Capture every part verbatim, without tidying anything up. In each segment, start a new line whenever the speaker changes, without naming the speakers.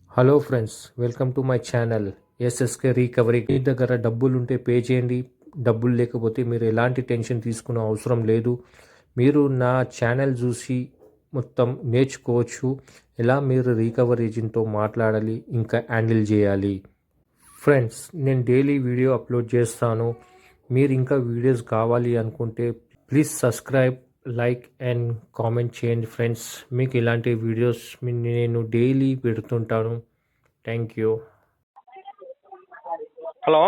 Hello friends, welcome to my channel SSK recovery. మీ దగ్గర డబ్బులు ఉంటే పే చేయండి. డబ్బులు లేకపోతే మీరు ఎలాంటి టెన్షన్ తీసుకునే అవసరం లేదు. మీరు నా ఛానల్ చూసి మొత్తం నేర్చుకోవచ్చు, ఎలా మీరు రికవరీ ఏజెంట్తో మాట్లాడాలి, ఇంకా హ్యాండిల్ చేయాలి. ఫ్రెండ్స్, నేను డైలీ వీడియో అప్లోడ్ చేస్తాను. మీరు ఇంకా వీడియోస్ కావాలి అనుకుంటే please subscribe, like and comment చేయండి ఫ్రెండ్స్. మీకు ఇలాంటి వీడియోస్ నేను డైలీ పెడుతుంటాను. Thank you.
Hello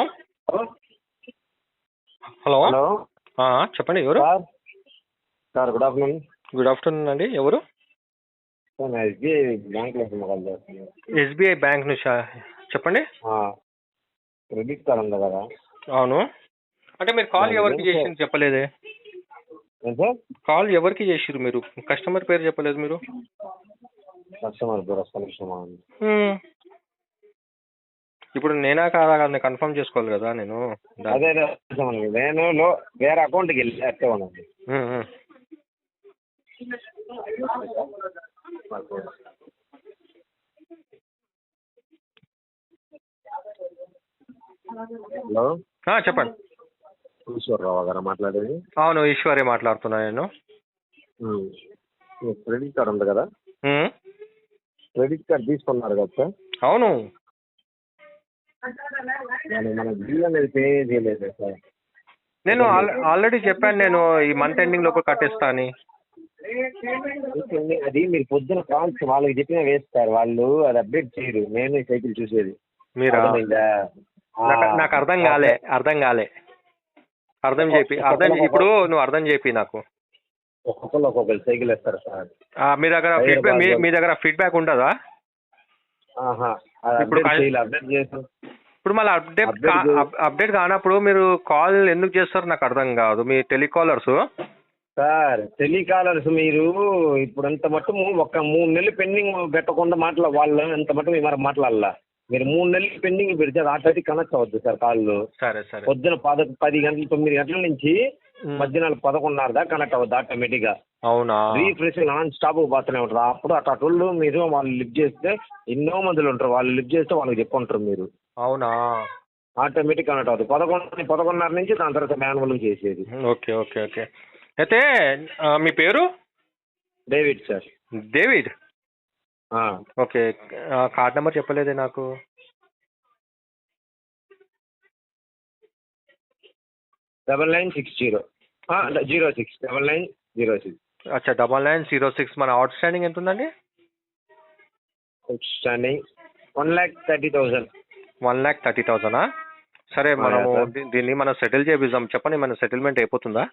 hello
hello
ఆ, చెప్పండి ఎవరు?
Sir sir good afternoon.
Good afternoon అండి. ఎవరు?
సార్ నేను ఎస్బీఐ బ్యాంక్లో కాల్ చేస్తున్నాను.
ఎస్బీఐ బ్యాంక్ నుంచి చెప్పండి.
క్రెడిట్ కార్డ్ ఉంది కదా?
అవును. అంటే మీరు కాల్
దాని
ఎవరికి
గురించి-
చేసింది చెప్పలేదే.
ఏం సార్?
కాల్ ఎవరికి చేసిరు మీరు? కస్టమర్ పేరు చెప్పలేదు మీరు.
కస్టమర్ పేరు ఒక్క నిమిషం ఆగండి.
హ్మ్. ఇప్పుడు నేనా కాదా అని కన్ఫర్మ్ చేసుకోవాలి కదా నేను. దా-
అదే అదే కస్టమర్. నేను లో వేరే అకౌంట్కి వెళ్ళి అట్టే ఉన్నాను.
హ్మ్, హ్మ్.
హలో
ఆ, చెప్పండి.
ఈశ్వరరావు గారా మాట్లాడేది?
అవును, ఈశ్వరి మాట్లాడుతున్నా నేను.
ఉమ్. మీకు క్రెడిట్ కార్డ్ ఉంది కదా?
హ్మ్.
క్రెడిట్ కార్డ్ తీసుకున్నారు కదా సార్?
అవును.
దానికి మన బిల్ అనేది పే చేయలేదు సార్.
నేను ఆల్- ఆల్రెడీ చెప్పాను, నేను ఈ మంత్ ఎండింగ్ లోపు కట్టేస్తా అని.
ఓకే, అది మీరు పొద్దున కాల్స్ వాళ్ళకి చెప్పినా వేస్తారు, వాళ్ళు అది అప్డేట్ చేయరు. నేను ఈ సైకిల్ చూసేది.
మీరా?
అర్థమైందా? ఆ,
నాకు నాకు అర్థం కాలే అర్థం కాలే అర్థం చేపి అర్థం చే- ఇప్పుడు నువ్వు అర్థం చేపి నాకు.
ఒక్కొక్కరు ఒక్కొక్కరు సైకిల్ వేస్తారు సార్.
ఆ, మీ దగ్గర ఫీడ్బ్యాక్ మీ మీ దగ్గర ఫీడ్బ్యాక్ ఉంటుందా?
ఆహా, అది
ఇప్పుడు
అప్డేట్
కాల్-
చేయాలి. అప్డేట్ చేస్తాం.
ఇప్పుడు మళ్ళీ అప్డేట్
Update
కా-
చే-
అప్- అప్డేట్ కానప్పుడు మీరు కాల్ ఎందుకు చేస్తారు నాకు అర్థం కాదు. మీ టెలికాలర్స్
సార్ టెలికాలర్స్ మీరు ఇప్పుడు ఎంత మట్టు ఒక మూడు నెలలు పెండింగ్ పెట్టకుండా మాట్లా వాళ్ళు ఎంత మట్టు మీరు మాట్లాడాల. మీరు మూడు నెలలు పెండింగ్ పెడితే అది ఆటోమేటిక్ కనెక్ట్ అవుద్ది సార్ కాళ్ళు.
సరే సరే.
పొద్దున పద పది గంటలు తొమ్మిది గంటల నుంచి
ఉమ్.
మధ్యాహ్నం పదకొండున్నర దాకా కనెక్ట్ అవుద్ది ఆటోమేటిక్ గా.
అవునా?
రీఫ్రెష్ నాన్ స్టాప్ పోతూనే ఉంటారు. అప్పుడు అట్లా టోళ్ళు మీరు వాళ్ళు లిఫ్ట్ చేస్తే ఎన్నో మందులు ఉంటారు, వాళ్ళు లిఫ్ట్ చేస్తే వాళ్ళకి చెప్పుకుంటారు మీరు.
అవునా?
ఆటోమేటిక్ కనెక్ట్ అవుతుంది. పదకొండు పదకొండున్నర నుంచి దాని తర్వాత మాన్యువల్ చేసేది.
Okay okay okay. అయితే ఆ, మీ పేరు?
David sir.
డేవిడ్. ఓకే. ఆ, కార్డ్ నెంబర్ చెప్పలేదే నాకు.
Double nine six zero zero six double nine zero six.
అచ్చా, డబల్ నైన్ జీరో సిక్స్. మన అవుట్ స్టాండింగ్ ఎంత ఉందండి?
Standing one lakh thirty thousand.
One lakh thirty థౌసండా? సరే,
ఆ,
మనము
సార్.
దీ- దీన్ని మనం సెటిల్ చేపిద్దాం. చెప్పండి, మన సెటిల్మెంట్ అయిపోతుందా?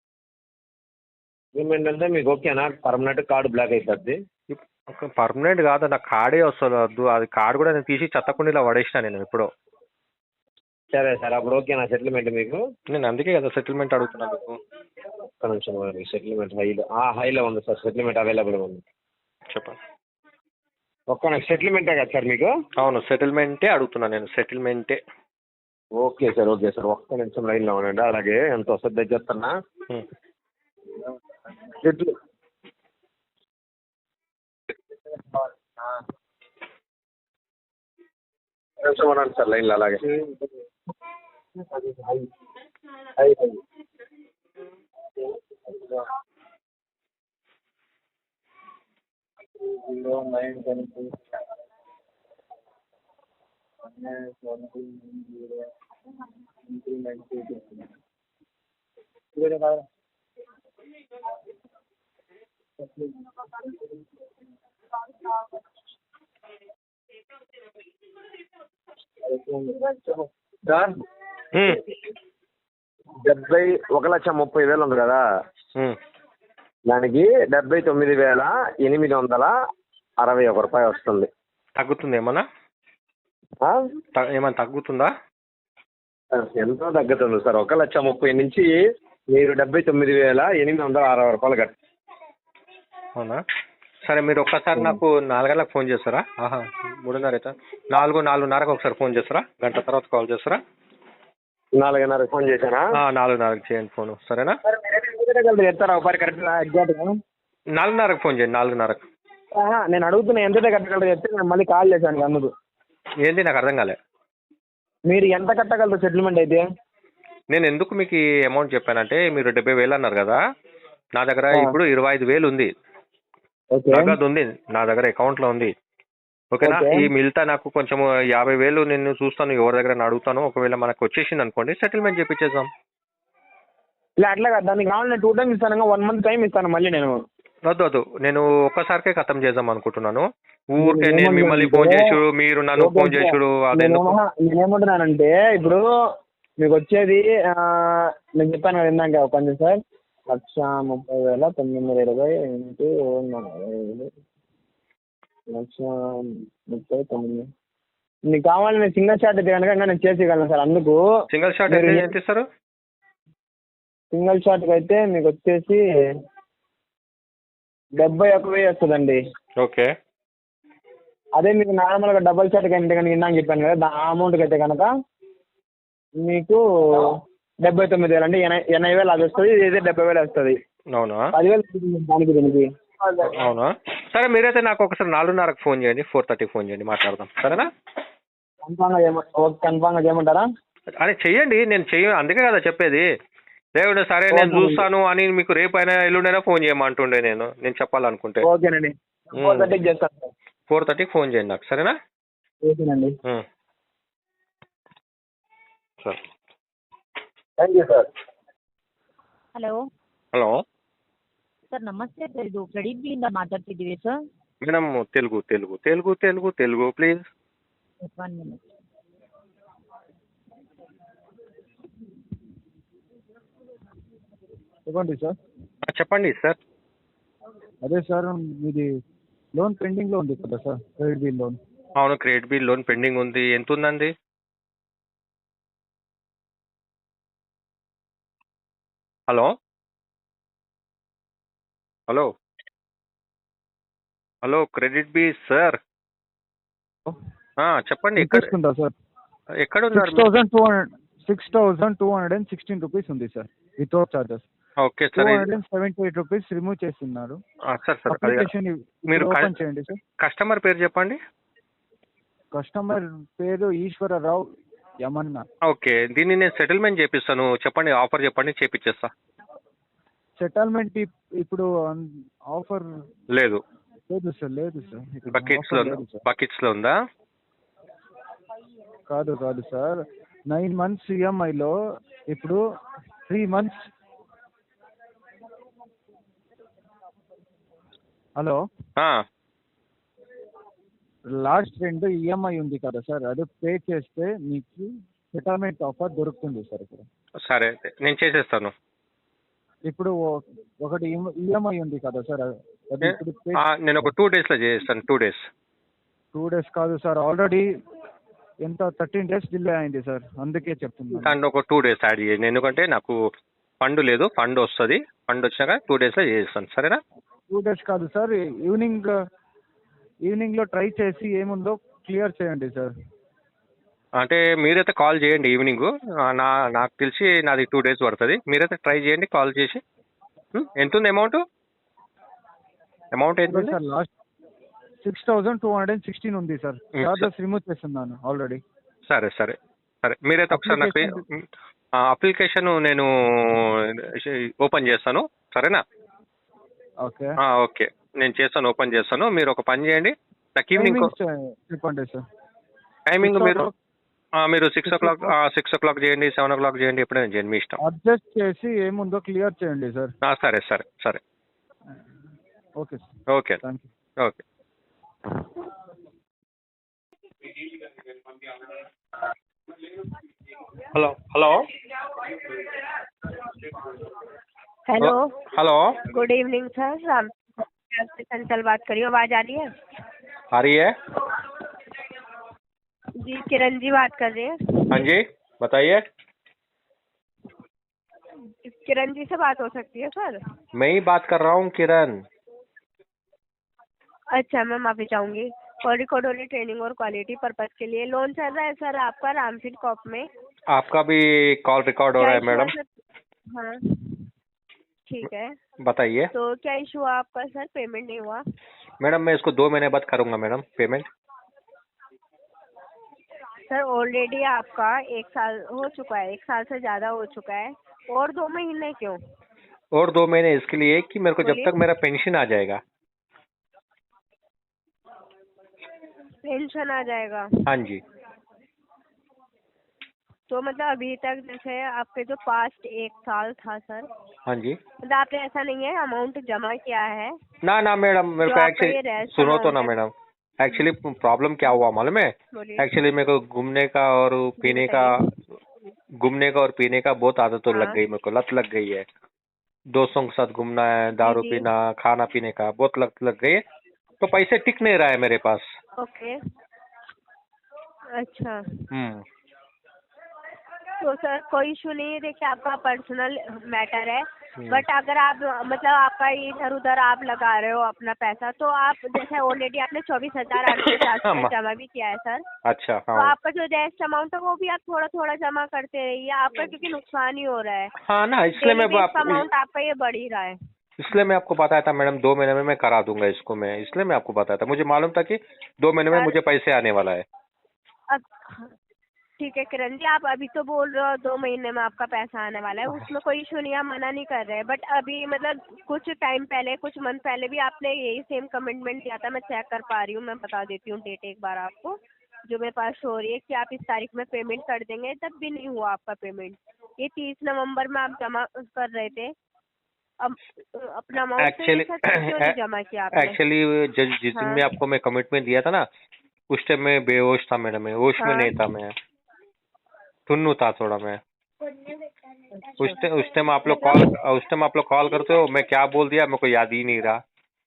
ఏమేంటంటే మీకు ఓకేనా? పర్మనెంట్ కార్డు బ్లాక్ అయిపోద్ది.
పర్మనెంట్ కాదు, నాకు కార్డే వస్తుంది. వద్దు, అది కార్డు కూడా నేను తీసి చెత్తకుండీలో పడేసిన నేను ఎప్పుడో.
సరే సార్, అప్పుడు ఓకేనా సెటిల్మెంట్ మీకు?
నేను అందుకే కదా సెటిల్మెంట్ అడుగుతున్నా మీకు.
ఒక్క నిమిషం, సెటిల్మెంట్ హైలో హైలో ఉంది సార్. సెటిల్మెంట్ అవైలబుల్ ఉంది.
చెప్పండి.
ఒక్క నిమిషం, సెటిల్మెంటే కదా సార్ మీకు?
అవును, సెటిల్మెంటే అడుగుతున్నా నేను, సెటిల్మెంటే.
Okay sir, okay sir. ఒక్క నిమిషం లైన్లో ఉండండి. అలాగే ఎంత వస్తుంది దగ్గరున్నా
హ్మ్.
సెటిల్ నిమిషం ఉండండి సార్ లైన్లో. అలాగే సార్,
హ్మ్.
డెబ్బై ఒక లక్ష ముప్పై వేలు ఉంది కదా,
హ్మ్.
దానికి డెబ్బై తొమ్మిది వేల ఎనిమిది వందల అరవై ఒక రూపాయి వస్తుంది.
తగ్గుతుంది ఏమన్నా?
ఆ?
త- ఏమన్నా తగ్గుతుందా?
ఎంతో తగ్గుతుంది సార్. ఒక లక్ష ముప్పై నుంచి మీరు డెబ్బై తొమ్మిది వేల ఎనిమిది వందల అరవై రూపాయలు కట్ట.
అవునా? సరే, మీరు ఒక్కసారి నాకు నాలుగు గంటలకు ఫోన్ చేస్తారా? ఆహా, మూడున్నర అవుతా. నాలుగు నాలుగున్నరకు ఒకసారి ఫోన్ చేస్తారా? గంట తర్వాత కాల్ చేస్తారా?
నాలుగున్నర ఫోన్ చేశానా?
ఆ, నాలుగున్నరకు చేయండి ఫోన్, సరేనా?
చెప్తారా ఒకసారి కరెక్ట్గా ఎగ్జాక్ట్గా?
నాలుగున్నరకు ఫోన్ చేయండి, నాలుగున్నరకు.
ఆహా, నేను అడుగుతున్నా ఎంత కట్టగలరు చెప్తే నేను మళ్ళీ కాల్ చేశాను అందుకు.
ఏంది నాకు అర్థం కాలే.
మీరు ఎంత కట్టగలరు సెటిల్మెంట్ అయితే?
నేను ఎందుకు మీకు ఈ అమౌంట్ చెప్పానంటే మీరు డెబ్బై వేలు అన్నారు కదా, నా దగ్గర
ఆ.
ఇప్పుడు ఇరవై ఐదు వేలు ఉంది,
ఓకే
నగదు ఉంది నా దగ్గర, అకౌంట్లో ఉంది. ఓకేనా?
ఓకే.
ఈ మిగతా నాకు కొంచెం యాభై వేలు నేను చూస్తాను, ఎవరి దగ్గర అడుగుతాను. ఒకవేళ మనకు వచ్చేసింది అనుకోండి, సెటిల్మెంట్ చేపించేద్దాం.
ఇలా అట్లా కదా, దానికి కావాలి నేను టూ టైమ్స్ ఇస్తాను, వన్ మంత్ టైం ఇస్తాను మళ్ళీ నేను.
వద్దు వద్దు, నేను ఒక్కసారికే ఖతం చేద్దాం అనుకుంటున్నాను.
నేను
ఊరికే నేను
ఏమన్నా
మిమ్మల్ని
అంటే,
ఫోన్ చేసుడు, మీరు నన్ను
ఓకే,
ఫోన్
ఓకే.
చేసుడు,
నేను
అదెందుకు?
ఏమన్నా- నేనేమంటున్నానంటే ఇప్పుడు మీకు వచ్చేది ఆ, నేను చెప్పాను కదా ఇందాక కొంచెం సార్, లక్ష ముప్పై వేల తొమ్మిది వందల ఇరవై ఇంటూ నలభై ఐదు, లక్ష ముప్పై తొమ్మిది. మీకు కావాలి నేను సింగిల్ షాట్ అయితే కనుక ఇంకా నేను చేసేయగలను సార్. అందుకు
సింగిల్ షాట్
మీరు
అయితే ఎంత ఇస్తారు?
సింగిల్ షాట్కి అయితే మీకు వచ్చేసి డెబ్బై ఒక వెయ్యి వస్తుందండి.
ఓకే.
అదే మీకు నార్మల్గా డబల్ షాట్కి అయితే కనుక ఇందాక చెప్పాను కదా, ఆ అమౌంట్కి అయితే కనుక మీకు డెబ్బై తొమ్మిది వేలు అంటే ఎనభై ఎనభై వేలు అది వస్తుంది, ఇదైతే డెబ్బై వేలు వస్తుంది.
అవునా?
పదివేలు దానికి దీనికి.
అవునా? సరే, మీరైతే నాకు ఒకసారి నాలుగున్నరకు ఫోన్ చేయండి, ఫోర్ థర్టీకి ఫోన్ చేయండి, మాట్లాడదాం. సరేనా?
కన్ఫామ్గా చేయమ ఓకే కన్ఫామ్గా చేయమంటారా?
అరే చెయ్యండి, నేను చెయ్య అందుకే కదా చెప్పేది. దేవుడు సరే నేను చూస్తాను అని మీకు రేపైనా ఎల్లుండైనా ఫోన్ చేయమంటుండే నేను నేను చెప్పాలనుకుంటే.
ఓకేనండి, ఫోర్ థర్టీకి చేస్తాను సార్.
ఫోర్ థర్టీకి ఫోన్ చేయండి నాకు, సరేనా?
ఓకేనండి,
ఉమ్. సరే.
Thank you sir.
Hello
hello
sir, ನಮಸ್ತೆ ಸರ್. ಇದು ಕ್ರೆಡಿಟ್ ಬಿಲ್ಲಿಂದ ಮಾತಾಡ್ತಿದ್ದೀವಿ sir.
Madam, Telugu Telugu Telugu Telugu Telugu please.
One minute.
చెప్పండి సార్.
చెప్పండి సార్.
అదే సార్, మీది లోన్ పెండింగ్లో ఉంది కదా సార్, క్రెడిట్ బిల్ లోన్.
అవును, క్రెడిట్ బిల్ లోన్ పెండింగ్ ఉంది. ఎంత ఉందండి? Hello hello hello credit bill sir. ఆ, చెప్పండి. ఎక్కడ
ఇంట్రెస్ట్ ఉందా సార్?
ఎక్కడ
సిక్స్
ఉన్నారు?
Thousand two hundred six thousand two hundred and sixteen rupees ఉంది sir, without charges.
Okay
two
sir.
Hundred and seventy eight rupees remove చేస్తున్నారు.
ఆ, sir sir అది
అప్లికేషన్
మీరు
ఓపెన్ చేయండి సార్.
కస్టమర్ పేరు చెప్పండి.
కస్టమర్ పేరు ఈశ్వరరావు యమన్న.
ఓకే, దీన్ని నేను సెటిల్మెంట్ చేపిస్తాను. చెప్పండి, ఆఫర్ చెప్పండి, చేపిచ్చేస్తా.
సెటిల్మెంట్ ఇప్పుడు ఆఫర్
లేదు,
లేదు సార్, లేదు సార్. ఇక్కడ
బకెట్స్
offer
లో
లేదు సార్.
బకెట్స్ లో ఉందా?
కాదు కాదు సార్, నైన్ మంత్స్ ఈఎంఐలో ఇప్పుడు త్రీ మంత్స్. హలో,
ఆ,
లాస్ట్ రెండు ఈఎంఐ ఉంది కదా సార్, అది పే చేస్తే మీకు సెటిల్మెంట్ ఆఫర్ దొరుకుతుంది సార్ ఇక్కడ.
సరే, నేను చేసేస్తాను.
ఇప్పుడు ఓ- ఒకటి ఈఎంఐ ఉంది కదా సార్, అది ఇప్పుడు పే
ఆ, నేను ఒక టూ డేస్ లో చేస్తాను. టూ డేస్
టూ డేస్ కాదు సార్, ఆల్రెడీ ఎంత థర్టీన్ డేస్ డిలే అయింది సార్, అందుకే చెప్తున్నాను.
దాంట్లో ఒక టూ డేస్ యాడ్ చేయండి, ఎందుకంటే నాకు ఫండ్ లేదు. ఫండ్ వస్తుంది, ఫండ్ వచ్చినాక టూ డేస్ లో చేస్తాను. సరేనా?
టూ డేస్ కాదు సార్, ఈవినింగ్ ఈవినింగ్ లో ట్రై చేసి ఏముందో క్లియర్ చేయండి సార్.
అంటే మీరైతే కాల్ చేయండి ఈవినింగ్. నా నాకు తెలిసి నాది టూ డేస్ పడుతుంది. మీరైతే ట్రై చేయండి కాల్ చేసి. ఉం? ఎంత ఉంది అమౌంట్? అమౌంట్ ఎంత ఉంది?
Sir last six thousand two hundred and sixteen ఉంది సార్,
Mm,
చార్జెస్ రిమూవ్ చేస్తున్నాను ఆల్రెడీ.
సరే సరే సరే, మీరైతే ఒకసారి నాకు అప్లికేషన్ నేను ఓపెన్ చేస్తాను. సరేనా?
ఓకే,
ఆ, ఓకే, నేను చేస్తాను, ఓపెన్ చేస్తాను. మీరు ఒక పని చేయండి, నాకు ఈవినింగ్
చెప్పండి సార్.
టైమింగ్
Six
మీరు
o'clock.
ఆ, మీరు సిక్స్ ఓ
Six
clock
o'clock.
Six o'clock చేయండి, సెవెన్ ఓ క్లాక్ చేయండి, ఎప్పుడైనా చేయండి, మీ ఇష్టం.
అడ్జస్ట్ చేసి ఏముందో క్లియర్ చేయండి సార్.
ఆ, సరే సరే సరే
okay sir,
okay
thank you.
Okay. Hello hello
hello,
hello,
good evening sir. Ram से चंचल बात करिए, आवाज आ रही है?
आ रही है?
जी, किरण जी बात कर रहे हैं।
हाँ जी, बताइए।
किरण जी से बात हो सकती है सर?
मैं ही बात कर रहा हूँ, किरण।
अच्छा, मैं माफी चाहूंगी। और रिकॉर्ड ओनली ट्रेनिंग और क्वालिटी पर्पज के लिए लोन चल रहा है सर आपका रामफिट कॉप में।
आपका भी कॉल रिकॉर्ड हो रहा है
क्या
मैडम।
issue है सर? हाँ, ठीक है।
बताइए।
तो क्या इशू हुआ आपका सर? पेमेंट नहीं हुआ?
मैडम मैं इसको दो महीने बाद करूँगा मैडम पेमेंट।
सर ऑलरेडी आपका एक साल हो चुका है, एक साल से ज़्यादा हो चुका है, और दो महीने क्यों?
और दो महीने इसके लिए कि मेरे को जब
बोलिए।
तक मेरा पेंशन आ जाएगा।
पेंशन आ जाएगा
हाँ जी।
तो मतलब अभी तक जैसे आपके जो पास्ट एक साल था सर,
हाँ जी।
मतलब आपने ऐसा नहीं है अमाउंट जमा किया है?
ना ना मैडम मेरे
जो
को
आपका ये
एक्चुअली
rest
सुनो तो
amount
ना
है।
मैडम, एक्चुअली प्रॉब्लम क्या हुआ मालूम है?
बोलिए।
एक्चुअली मेरे को घूमने का और पीने का घूमने का और पीने का बहुत आदत तो लग
हाँ।
गई, मेरे को लत लग गई है। दोस्तों के साथ घूमना है, दारू
जी।
पीना, खाना पीने का बहुत लत लग गई है, तो पैसे टिक नहीं रहा है मेरे पास।
ओके। अच्छा,
हम्म।
तो सर कोई इशू नहीं है, देखिए आपका पर्सनल मैटर है,
हम्म।
बट अगर आप मतलब आपका इधर उधर आप लगा रहे हो अपना पैसा, तो आप जैसे ऑलरेडी आपने चौबीस हजार आठ सौ पचास रुपये जमा भी किया है सर,
अच्छा
तो
हाँ
आपका जो रेस्ट अमाउंट है वो भी आप थोड़ा थोड़ा जमा करते रहिए, आपका क्योंकि नुकसान ही हो रहा है।
हाँ ना, इसलिए मैं आप,
अमाउंट आपका ये बढ़ ही रहा है।
इसलिए मैं आपको बताया था मैडम दो महीने में मैं करा दूंगा इसको, मैं इसलिए मैं आपको बताया था, मुझे मालूम था कि दो महीने में
सर-
मुझे पैसे आने वाला है।
अब ठीक है किरण जी, आप अभी तो बोल रहे हो दो महीने में आपका पैसा आने वाला है, उसमें कोई इशू नहीं, हम मना नहीं कर रहे, बट अभी मतलब कुछ टाइम पहले, कुछ मंथ पहले भी आपने यही सेम कमिटमेंट दिया था, मैं चेक कर पा रही हूँ, मैं बता देती हूँ डेट एक बार आपको, जो मेरे पास शो हो रही है कि आप इस तारीख में पेमेंट कर देंगे, तब भी नहीं हुआ आपका पेमेंट। ये तीस नवंबर में आप जमा कर रहे थे, अब अपना अमाउंट
एक्चुअली
क्यों नहीं जमा किया आपने?
एक्चुअली जिस जिस दिन
हाँ।
में आपको मैं कमिटमेंट दिया था ना, उस टाइम मैं बेहोश था मैडम, मैं होश में
हाँ।
नहीं था, मैं टुन्नू था थोड़ा मैं। उस टाइम उस टाइम आप लोग कॉल उस टाइम आप लोग कॉल करते हो, मैं क्या बोल दिया मेरे को याद ही नहीं रहा।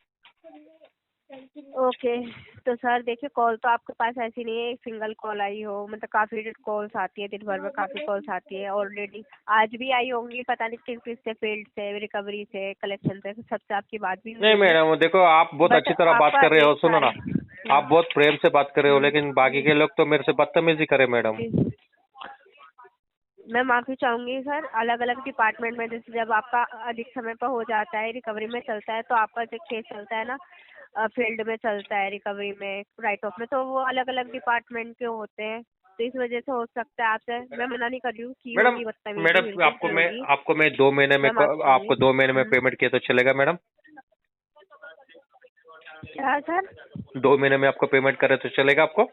ओके, तो सर देखिए कॉल तो आपके पास ऐसी नहीं है एक सिंगल कॉल आई हो, मतलब काफ़ी कॉल्स आती है, दिन भर में काफ़ी कॉल्स आती है, ऑलरेडी आज भी आई होंगी, पता नहीं किस किस से, फील्ड से, रिकवरी से, कलेक्शन से, सबसे आपकी बात भी हुई
नहीं
होगी।
मैडम देखो, आप बहुत
But
अच्छी तरह बात
आपका
कर रहे हो,
एक
सुनो ना,
साल-
आप बहुत प्रेम से बात कर रहे हो,
हम्म।
लेकिन बाकी के लोग तो मेरे से बदतमीजी करे मैडम।
जी। मैं माफ़ी चाहूँगी सर, अलग अलग डिपार्टमेंट में जैसे जब आपका अधिक समय पर हो जाता है, रिकवरी में चलता है, तो आपका जो केस चलता है ना, फील्ड में चलता है, रिकवरी में, राइट ऑफ में, तो वो अलग अलग डिपार्टमेंट के होते हैं, तो इस वजह से हो सकता है आपसे, मैं मना नहीं कर रही हूँ कि
मैडम
होगी बदतमीजी,
मैडम
बिल्कुल
आपको
की
मैं
होगी।
आपको मैं दो महीने में
मैं माफ़ी
आपको
चाहूंगी।
दो महीने में
हम्म।
पेमेंट किया तो चलेगा मैडम?
क्या सर?
दो महीने में आपको पेमेंट करे तो चलेगा आपको?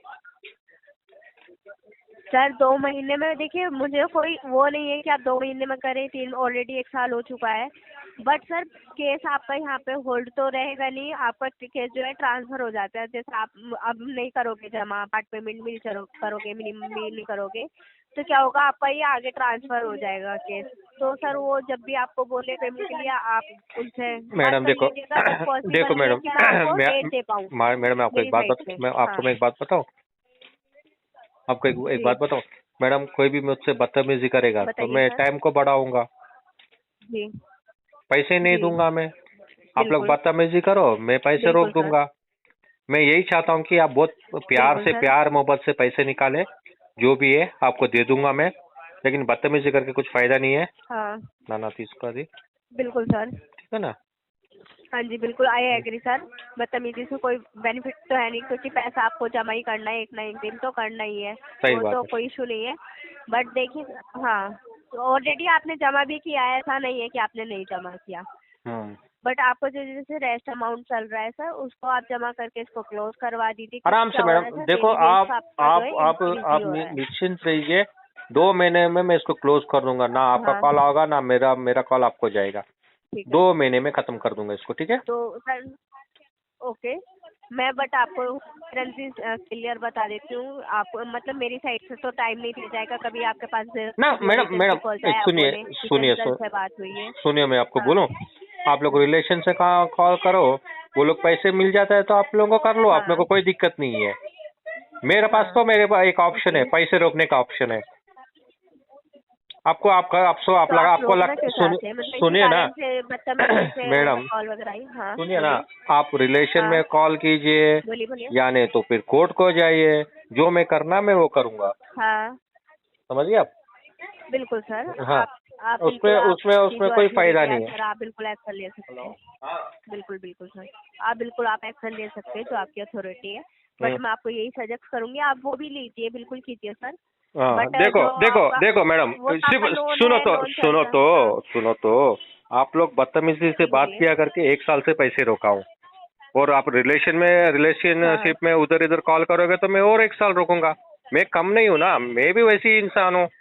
सर दो महीने में देखिए, मुझे कोई वो नहीं है कि आप दो महीने में करें, तीन ऑलरेडी एक साल हो चुका है, बट सर केस आपका यहाँ पे होल्ड तो रहेगा नहीं, आपका केस जो है ट्रांसफर हो जाता है, जैसे आप अब नहीं करोगे जमा, पार्ट पेमेंट मिल करोगे, मिनिमम नहीं करोगे, तो क्या होगा, आपका ये आगे ट्रांसफर हो जाएगा केस। तो सर वो जब भी आपको बोले पेमेंट के लिए, आप उनसे
मैडम देखो देखो मैडम
डेट दे पाऊँ
मैं मैडम मैं आपको एक
मेरी
बात
साइड
बता
से।
मैं आपको
हाँ।
मैं एक बात बताऊं आपको एक एक
जी।
बात बताऊं मैडम, कोई भी मुझसे बदतमीजी करेगा तो
बताइए
मैं
सर।
टाइम को बढ़ाऊंगा,
जी।
पैसे नहीं
जी।
दूंगा मैं। आप लोग
बिल्कुल।
बदतमीजी करो, मैं पैसे रोक
बिल्कुल सर।
दूंगा। मैं यही चाहता हूँ कि आप बहुत प्यार
बिल्कुल
से
सर।
प्यार मोहब्बत से पैसे निकाले, जो भी है आपको दे दूंगा मैं, लेकिन बदतमीजी करके कुछ फायदा नहीं है।
हाँ।
ना ना तीसको दी,
बिल्कुल सर।
ठीक है ना?
हाँ जी बिल्कुल, आई एग्री सर, बदतमीजी से कोई बेनिफिट तो है नहीं, क्योंकि पैसा आपको जमा ही करना है, एक ना एक दिन तो करना ही है,
सही
वो
बात
तो
है।
कोई इशू नहीं है, बट देखिए हाँ, ऑलरेडी आपने जमा भी किया है, ऐसा नहीं है कि आपने नहीं जमा किया,
हम्म
बट आपको जो जैसे रेस्ट अमाउंट चल रहा है सर, उसको आप जमा करके इसको क्लोज करवा दीजिए।
आराम से मैडम देखो, आप आप आप आप निश्चिंत रहिए, दो महीने में मैं इसको क्लोज कर दूंगा, ना आपका
हाँ।
कॉल होगा ना मेरा मेरा कॉल आपको जाएगा,
ठीक है,
दो महीने में खत्म कर दूंगा इसको, ठीक है?
तो सर ओके, मैं बट आपको क्लियर बता देती हूँ, आप मतलब मेरी साइड से तो टाइम नहीं दिया जाएगा, कभी आपके पास
ना मैडम मैडम सुनिए सुनिए
से बात हुई है।
सुनिए, मैं आपको
हाँ।
बोलूं, आप लोग रिलेशन से कॉल करो, वो लोग पैसे मिल जाता है तो आप लोगों को कर लो, आप
हाँ।
लोगों को कोई दिक्कत नहीं है। मेरे पास तो मेरे पास एक ऑप्शन है, पैसे रोकने का ऑप्शन है। आपको आपका आप सो आप
तो
लगा
आप
आपको
रोकना
लग
क्यों
सुन,
चाहते हैं? मतलब इसी
सुनिए ना
कारण से बदतमीजी से
मैडम,
कॉल वगैरह आई? हाँ
सुनिए ना,
बोलिए।
आप रिलेशन
हाँ।
में कॉल कीजिए
बोलिए बोलिए।
या नहीं तो फिर कोर्ट को जाइए, जो मैं करना मैं वो करूंगा,
हाँ
समझिए आप?
बिल्कुल सर।
हाँ।
आप आप
उसमें
बिल्कुल आप
उसमें
की
उसमें
जो
कोई
अथॉरिटी
फायदा
है
नहीं है।
सर, आप बिल्कुल एक्शन ले सकते हैं। बिल्कुल बिल्कुल सर, आप बिल्कुल आप एक्शन ले सकते हैं जो आपकी अथॉरिटी है। बट
हम्म।
मैं आपको यही सजेस्ट करूंगी, आप वो भी लीजिए, बिल्कुल कीजिए सर।
हाँ,
बट
देखो
जो
देखो
आपका
देखो मैडम,
वो तो
सिर्फ
आपका लोन
सुनो
है,
तो
लोन
सुनो
चलता
तो
है। हाँ,
सुनो तो आप लोग बदतमीजी से बात
बोलिए।
किया करके एक साल से पैसे रोकाऊं, और आप रिलेशन में रिलेशनशिप में उधर इधर कॉल करोगे तो मैं और एक साल रोकूंगा। मैं कम नहीं हूँ ना, मैं भी वैसे ही इंसान हूँ।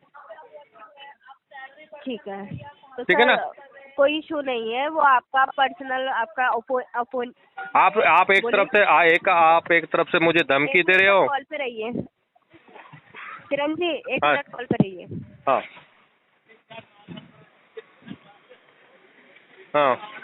ठीक है तो
ठीक है ना?
सर कोई इशू नहीं है, वो आपका पर्सनल आपका ओपो, ओपो,
आप आप एक
बोलिए।
तरफ से आ, एक आप एक तरफ से मुझे धमकी
एक
दे रहे
मिनट
हो।
कॉल पे रहिए किरण जी, एक
हाँ।
मिनट कॉल पे रहिए।
हाँ हाँ